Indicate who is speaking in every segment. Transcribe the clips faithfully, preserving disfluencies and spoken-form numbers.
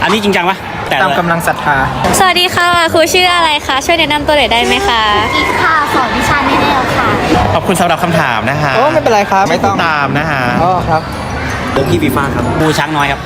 Speaker 1: อันนี้จริงจังปะแต่ตาม
Speaker 2: กำลังศรัทธา
Speaker 3: สวัสดีค่ะครูชื่ออะไรคะช่วยแนะนำตัวหน่อยได้ไหมคะ
Speaker 4: อีกค่ะสอนวิชาแนวค่ะ
Speaker 5: ขอบคุณสำหรับคำถามนะคะ
Speaker 2: โอ้ไม่เป็นไรครับไม่ต้อง
Speaker 5: ตามนะคะ
Speaker 2: อ๋อครับ
Speaker 1: พี่ฟีฟ่าครับครูช้างน้อยครับ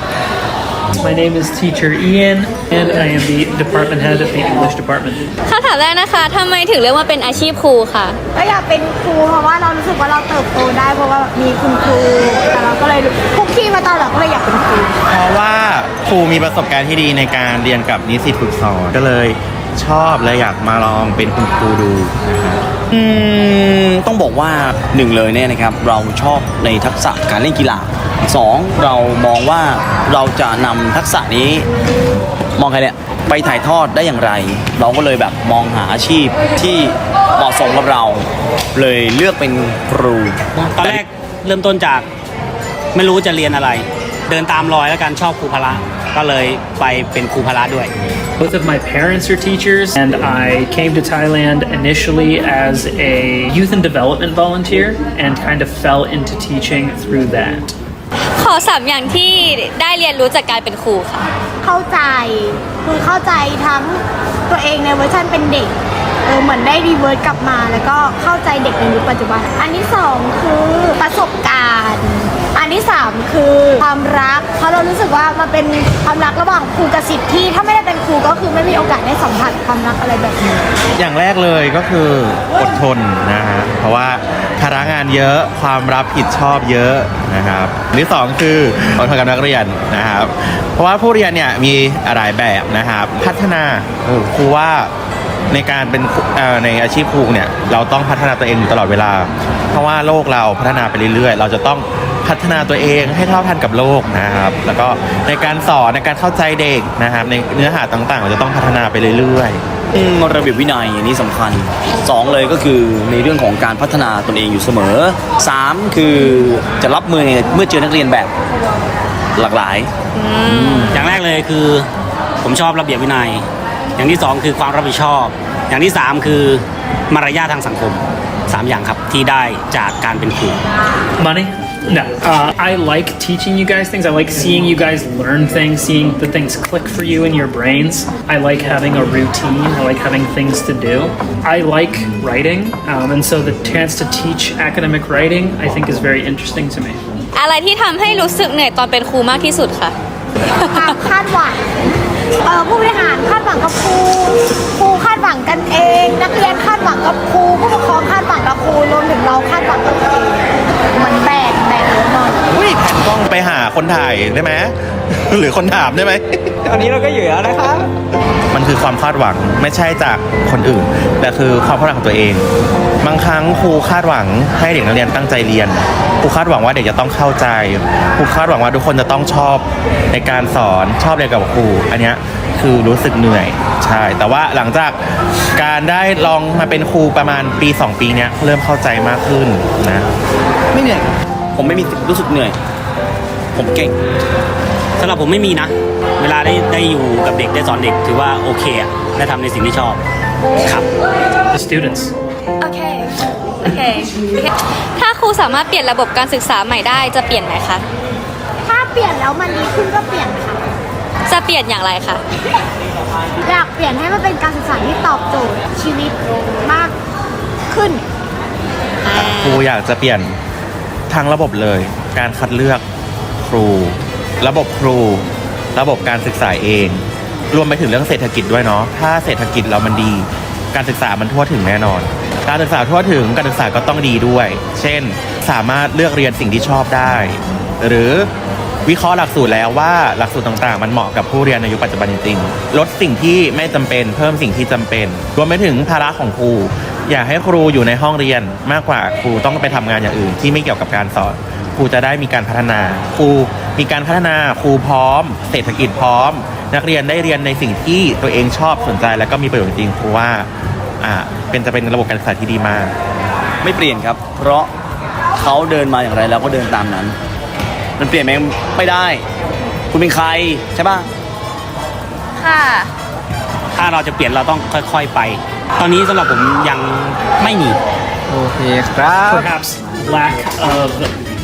Speaker 6: My name is Teacher Ian, and I am the department head of the English department.
Speaker 3: คำถามแรกนะคะทำไมถึงเลือกมาเป็นอาชีพครูคะ
Speaker 4: ก็อยากเป็นครูเพราะว่าเรารู้สึกว่าเราเติบโตได้เพราะว่ามีคุณครูแต่เราก็เลยคุกคีมาตอนหลังก็เลยอยากเป็นครู
Speaker 5: เพราะว่าครูมีประสบการณ์ที่ดีในการเรียนกับนิสิตฝึกสอนก็เลยชอบและอยากมาลองเป็นคุณครูดูนะครับ
Speaker 7: อืมต้องบอกว่าหนึ่งเลยเนี่ยนะครับเราชอบในทักษะการเล่นกีฬาสองเรามองว่าเราจะนำทักษะนี้มองใครเนี่ยไปถ่ายทอดได้อย่างไรเราก็เลยแบบมองหาอาชีพที่เหมาะสมกับเราเลยเลือกเป็นครู
Speaker 1: ตอนแรกเริ่มต้นจากไม่รู้จะเรียนอะไรเดินตามรอยแล้วกันชอบครูพละก็เลยไปเป็นครูพละด้วย
Speaker 6: Both of my parents are teachers, and I came to Thailand initially as a youth and development volunteer and kind of fell into teaching through that.
Speaker 3: ขอสามอย่างที่ได้เรียนรู้จากการเป็นครูค่ะ
Speaker 4: เข้าใจคือเข้าใจทั้งตัวเองในเวอร์ชันเป็นเด็กเออเหมือนได้รีเวิร์สกลับมาแล้วก็เข้าใจเด็กในยุคปัจจุบันอันที่สองคือประสบการณ์อันที่สามคือความรักเพราะเรารู้สึกว่ามันเป็นความรักระหว่างครูกับศิษย์ที่ถ้าไม่ได้เป็นครูก็คือไม่มีโอกาสได้สัมผัสความรักอะไรแบบนี้
Speaker 5: อย่างแรกเลยก็คืออดทนนะฮะเพราะว่าภาระงานเยอะความรับผิดชอบเยอะนะครับอันที่สองคืออดทนกับนักเรียนนะครับเพราะว่าผู้เรียนเนี่ยมีหลายแบบนะครับพัฒนาครูว่าในการเป็นในอาชีพครูเนี่ยเราต้องพัฒนาตัวเองอยู่ตลอดเวลาเพราะว่าโลกเราพัฒนาไปเรื่อยๆเราจะต้องพัฒนาตัวเองให้เท่าทันกับโลกนะครับแล้วก็ในการสอนในการเข้าใจเด็กนะครับในเนื้อหาต่างๆเราจะต้องพัฒนาไปเรื่อย
Speaker 7: ๆระเบียบวินัยอันนี้สำคัญสองเลยก็คือในเรื่องของการพัฒนาตนเองอยู่เสมอสามคือจะรับมือเมื่อเจอนักเรียนแบบหลากหลาย
Speaker 1: อย่างแรกเลยคือผมชอบระเบียบวินัยอย่างที่สองคือความรับผิดชอบอย่างที่สามคือมารยาททางสังคมสามอย่างครับที่ได้จากการเป็นครู
Speaker 6: Money? No. Uh, I like teaching you guys things. I like seeing you guys learn things, seeing the things click for you in your brains. I like having a routine. I like having things to do. I like writing, um, and so the chance to teach academic writing, I think, is very interesting to me.
Speaker 3: อะไรที่ทำให้รู้สึกเหนื่อยตอนเป็นครูมากที่สุดคะ
Speaker 4: ความคาดหวังเออผู้บริหารคาดหวังกับครูครูคาดหวังกันเองนักเรียนคาดหวังกับครูผู้ปกครองคาดหวังกับครูรวมถึงเราคาดหวังกับตัวเองเหมือนแบกแบกเยอะหน่อย
Speaker 5: อุ้ยแผ่นกล้องไปหาคนถ่ายได้ไหมหรือคนถามได้ไหม
Speaker 2: ตอนนี้เราก็อยู่แล้วนะครับ
Speaker 5: มันคือความคาดหวังไม่ใช่จากคนอื่นแต่คือความคาดหวังของตัวเองบางครั้งครูคาดหวังให้เด็กนักเรียนตั้งใจเรียนครูคาดหวังว่าเด็กจะต้องเข้าใจครูคาดหวังว่าทุกคนจะต้องชอบในการสอนชอบเรียนกับครูอันนี้คือรู้สึกเหนื่อยใช่แต่ว่าหลังจากการได้ลองมาเป็นครูประมาณปีสองปีเนี้ยเริ่มเข้าใจมากขึ้นนะ
Speaker 7: ไม่เหนื่อยผมไม่มีรู้สึกเหนื่อยผมเก่ง
Speaker 1: สำหรับผมไม่มีนะเวลาได้ได้อยู่กับเด็กได้สอนเด็กถือว่าโอเคอะได้ทำในสิ่งที่ชอบครับ
Speaker 6: The students
Speaker 3: โอเคโอเคถ้าครูสามารถเปลี่ยนระบบการศึกษาใหม่ได้จะเปลี่ยนไหมคะ
Speaker 4: ถ้าเปลี่ยนแล้วมันดีขึ้นก็เปลี่ยนค่ะ
Speaker 3: จะเปลี่ยนอย่างไรคะ
Speaker 4: อยากเปลี่ยนให้มันเป็นการศึกษาที่ตอบโจทย์ชีวิตมากขึ้น
Speaker 5: ครูอยากจะเปลี่ยนทั้งระบบเลยการคัดเลือกครูระบบครูระบบการศึกษาเองรวมไปถึงเรื่องเศรษฐกิจด้วยเนาะถ้าเศรษฐกิจเรามันดีการศึกษามันทั่วถึงแน่นอนการศึกษาทั่วถึงการศึกษาก็ต้องดีด้วยเช่นสามารถเลือกเรียนสิ่งที่ชอบได้หรือวิเคราะห์หลักสูตรแล้วว่าหลักสูตรต่างๆมันเหมาะกับผู้เรียนในยุคปัจจุบันจริงๆลดสิ่งที่ไม่จำเป็นเพิ่มสิ่งที่จำเป็นรวมไปถึงภาระของครูอยากให้ครูอยู่ในห้องเรียนมากกว่าครูต้องไปทำงานอย่างอื่นที่ไม่เกี่ยวกับการสอนครูจะได้มีการพัฒนาครูมีการพัฒนาครูพร้อมเศรษฐกิจพร้อมนักเรียนได้เรียนในสิ่งที่ตัวเองชอบสนใจแล้วก็มีประโยชน์จริงครูว่าอ่าเป็นจะเป็นระบบการศึกษาที่ดีมาก
Speaker 7: ไม่เปลี่ยนครับเพราะเขาเดินมาอย่างไรแล้วก็เดินตามนั้นมันเปลี่ยนไหมไม่ได้คุณเป็นใครใช่ป่ะ
Speaker 3: ค่ะ
Speaker 1: ถ้าเราจะเปลี่ยนเราต้องค่อยๆไปตอนนี้สำหรับผมยังไม่มี
Speaker 2: โอเคครับ
Speaker 6: Perhaps lack of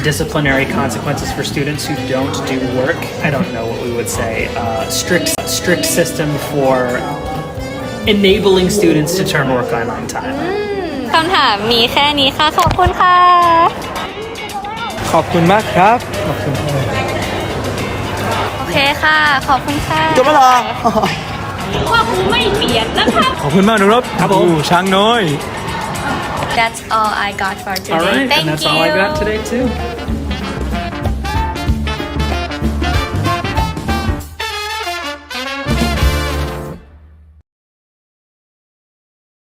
Speaker 6: disciplinary consequences for students who don't do work. I don't know what we would say. Uh, strict strict system for enabling students to turn work in on time.
Speaker 3: คำถามมีแค่นี้ค่ะ ขอบคุณค่ะ
Speaker 2: ขอบคุณมากครับ
Speaker 3: โอเคค่ะ ขอบคุณค่ะ
Speaker 7: จบแล้วเหรอ
Speaker 3: ว่าครูไม่เปลี่ยนนะคะ
Speaker 2: ขอบคุณมากนะครับครับผมช้างน้อย
Speaker 3: That's all I got for today
Speaker 6: All right,
Speaker 3: Thank
Speaker 6: and that's
Speaker 3: you
Speaker 6: all I got today too.